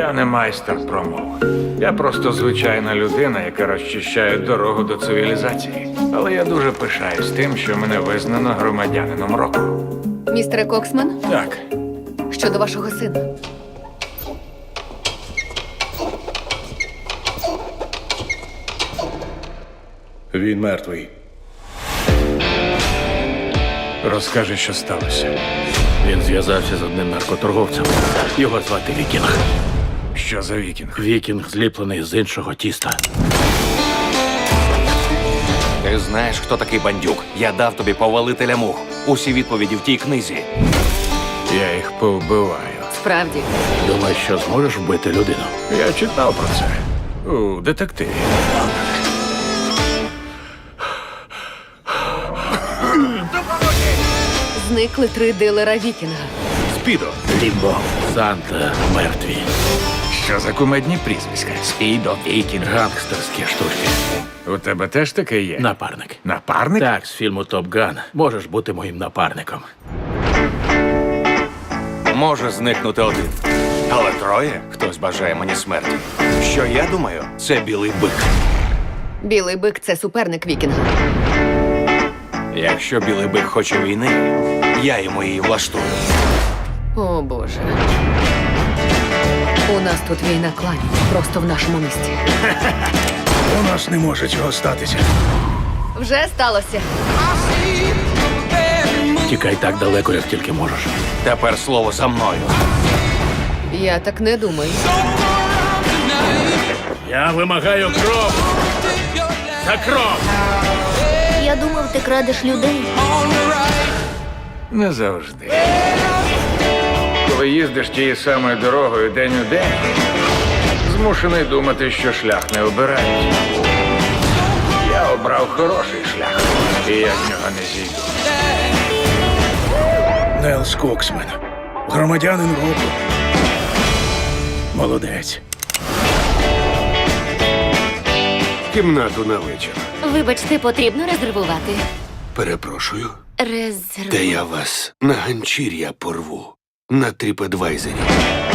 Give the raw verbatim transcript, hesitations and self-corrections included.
Я не майстер промов. Я просто звичайна людина, яка розчищає дорогу до цивілізації. Але я дуже пишаюсь тим, що мене визнано громадянином року. Містере Коксман, Так, щодо вашого сина. Він мертвий. розкажи, що сталося. Він зв'язався з одним наркоторговцем. Його звати Вікінг. Що за вікінг? Вікінг зліплений з іншого тіста. Ти знаєш, хто такий бандюк? Я дав тобі повелителя мух. Усі відповіді в тій книзі. Я їх повбиваю. Справді. Думаєш, що зможеш вбити людину? Я читав про це у детективі. Зникли три дилера Вікінга. Спідо. Лімбо, Санта, мертві. Що за кумедні прізвиська? Спідо, вікінг. Гангстерські штучки. У тебе теж таке є? Напарник. Напарник? Так, з фільму Топ Ган. Можеш бути моїм напарником. Може зникнути один. Але троє? Хтось бажає мені смерті. Що я думаю, це білий бик. Білий бик це суперник Вікінга. Якщо білий бик хоче війни, я йому її влаштую. О, Боже. У нас тут війна кланів. Просто в нашому місті. У нас не може цього статися. Вже сталося. Тікай так далеко, як тільки можеш. Тепер слово за мною. Я так не думаю. Я вимагаю кров! За кров! Я думав, ти крадеш людей. Не завжди. Коли їздиш тією самою дорогою день у день, змушений думати, що шлях не обирають. Я обрав хороший шлях, і я з нього не зійду. Нелс Коксмен. Громадянин року. Молодець. Кімнату на вечір. Вибачте, потрібно резервувати. Перепрошую, Резерв... де я вас на ганчір'я порву. На TripAdvisor.